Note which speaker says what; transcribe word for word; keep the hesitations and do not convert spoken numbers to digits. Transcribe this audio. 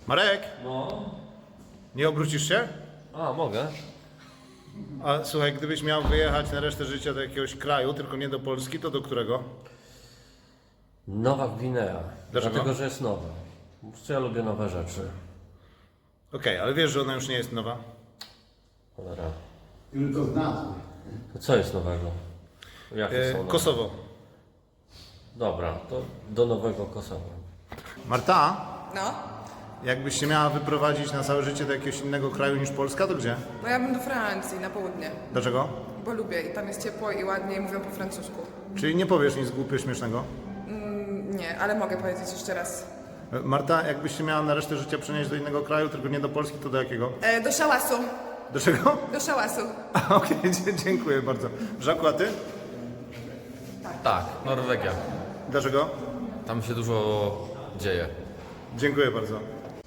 Speaker 1: Marek,
Speaker 2: No.
Speaker 1: nie obrócisz się?
Speaker 2: A, mogę.
Speaker 1: A słuchaj, gdybyś miał wyjechać na resztę życia do jakiegoś kraju, tylko nie do Polski, to do którego?
Speaker 2: Nowa Gwinea.
Speaker 1: Dlaczego?
Speaker 2: Dlatego, że jest nowa. Po prostu ja lubię nowe rzeczy.
Speaker 1: Okej, ale wiesz, że ona już nie jest nowa?
Speaker 2: Cholera.
Speaker 3: Tylko z nazwy.
Speaker 2: To co jest nowego? Jakie
Speaker 1: E,
Speaker 2: są nowe?
Speaker 1: Kosowo.
Speaker 2: Dobra, to do nowego Kosowa.
Speaker 1: Marta,
Speaker 4: No,
Speaker 1: jakbyś się miała wyprowadzić na całe życie do jakiegoś innego kraju niż Polska, to gdzie?
Speaker 4: no ja bym do Francji, na południe,
Speaker 1: Dlaczego?
Speaker 4: bo lubię i tam jest ciepło i ładnie i mówią po francusku.
Speaker 1: Czyli nie powiesz nic głupio śmiesznego?
Speaker 4: Mm, nie, ale mogę powiedzieć jeszcze raz.
Speaker 1: E, Marta, jakbyś się miała na resztę życia przenieść do innego kraju, tylko nie do Polski, to do jakiego?
Speaker 4: E, do szałasu,
Speaker 1: Do czego?
Speaker 4: do szałasu.
Speaker 1: A, Okej, dzie- dziękuję bardzo. Żaku, a ty?
Speaker 5: Tak, Norwegia.
Speaker 1: Dlaczego?
Speaker 5: Tam się dużo dzieje.
Speaker 1: Dziękuję bardzo.